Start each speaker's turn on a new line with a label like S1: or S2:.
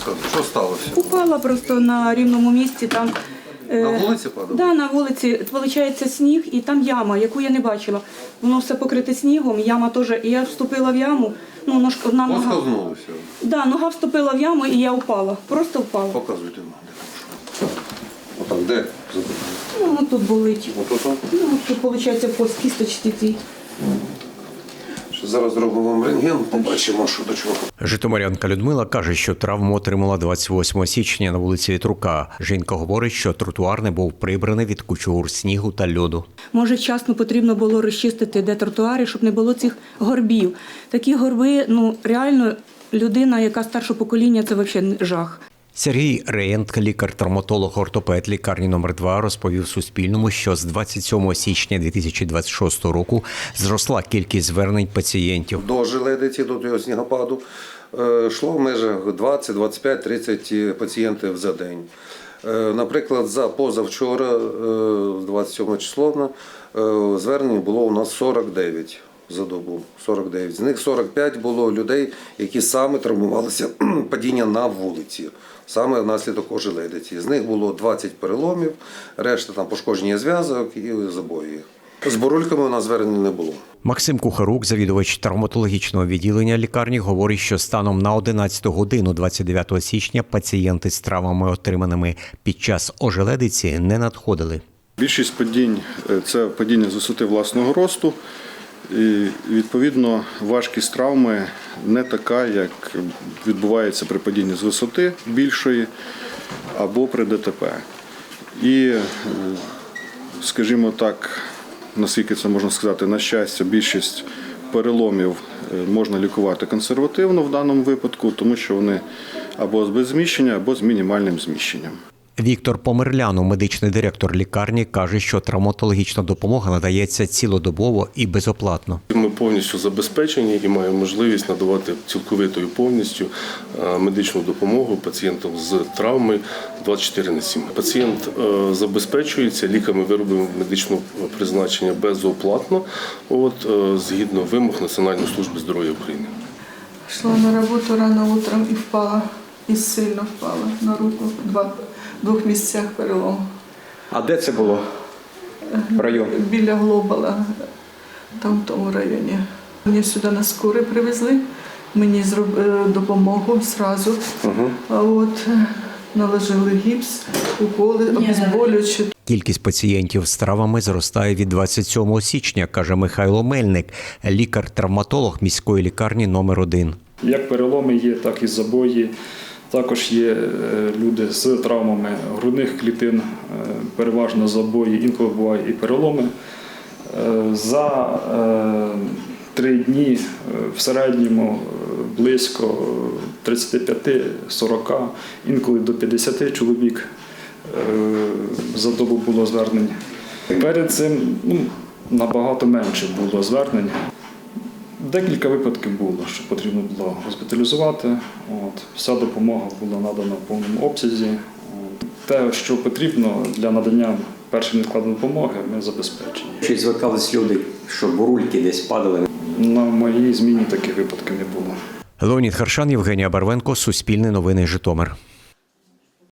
S1: розказуй, що сталося?
S2: Упала просто на рівному місці, там
S1: На вулиці падало?
S2: да, на вулиці, виходить, сніг і там яма, яку я не бачила. Воно все покрите снігом, яма теж. І я вступила в яму, ну, одна нога.
S1: Поскользнулося.
S2: Да, нога вступила в яму і я упала. Просто впала.
S1: Показуйте нам. Отак, де?
S2: Ну, тут болить.
S1: Отут?
S2: Ну, тут, виходить, по кісточці цій.
S1: Зараз зробимо вам рентген, побачимо, що до чого.
S3: Житомирянка Людмила каже, що травму отримала 28 січня на вулиці Вітрука. Жінка говорить, що тротуар не був прибраний від кучугур снігу та льоду.
S2: Може, вчасно потрібно було розчистити де тротуари, щоб не було цих горбів. Такі горби, ну, реально, людина, яка старшого покоління, це взагалі жах.
S3: Сергій Реєнт, лікар-травматолог-ортопед лікарні номер 2, розповів Суспільному, що з 27 січня 2026 року зросла кількість звернень пацієнтів.
S1: До желедиці, до того снігопаду, йшло в межах 20, 25, 30 пацієнтів за день. Наприклад, за позавчора, 27 число, звернень було у нас 49 за добу. 49. З них 45 було людей, які саме травмувалися падіння на вулиці, саме внаслідок ожеледиці. З них було 20 переломів, решта там пошкодження зв'язок і забої. З бурульками у нас звернень не було.
S3: Максим Кухарук, завідувач травматологічного відділення лікарні, говорить, що станом на 11 годину 29 січня пацієнти з травмами, отриманими під час ожеледиці, не надходили.
S4: Більшість падінь – це падіння з висоти власного росту. І, відповідно, важкість травми не така, як відбувається при падінні з висоти більшої або при ДТП. І, скажімо так, наскільки це можна сказати, на щастя, більшість переломів можна лікувати консервативно в даному випадку, тому що вони або без зміщення, або з мінімальним зміщенням.
S3: Віктор Померлянов, медичний директор лікарні, каже, що травматологічна допомога надається цілодобово і безоплатно.
S5: Ми повністю забезпечені і маємо можливість надавати цілковитою повністю медичну допомогу пацієнтам з травмою 24/7. Пацієнт забезпечується ліками-виробами медичного призначення безоплатно, згідно вимог Національної служби здоров'я України.
S6: Шла на роботу рано утром і впала, і сильно впала на руку. В двох місцях перелом.
S7: А де це було? Район?
S6: Біля Глобала, там в тому районі. Мені сюди на скорі привезли, мені зробили допомогу одразу. Наложили гіпс, уколи, обезболюючі.
S3: Кількість пацієнтів з травмами зростає від 27 січня, каже Михайло Мельник, лікар-травматолог міської лікарні номер 1.
S8: Як переломи є, так і забої. Також є люди з травмами грудних клітин, переважно забої, інколи бувають і переломи. За 3 дні в середньому близько 35-40, інколи до 50 чоловік за добу було звернень. Перед цим набагато менше було звернень. Декілька випадків було, що потрібно було госпіталізувати. Вся допомога була надана в повному обсязі. Те, що потрібно для надання першої невідкладної допомоги, ми забезпечені.
S7: Чи звертались люди, що бурульки десь падали?
S8: На моїй зміні таких випадків не було.
S3: Леонід Харшан, Євгенія Барвенко, Суспільне новини, Житомир.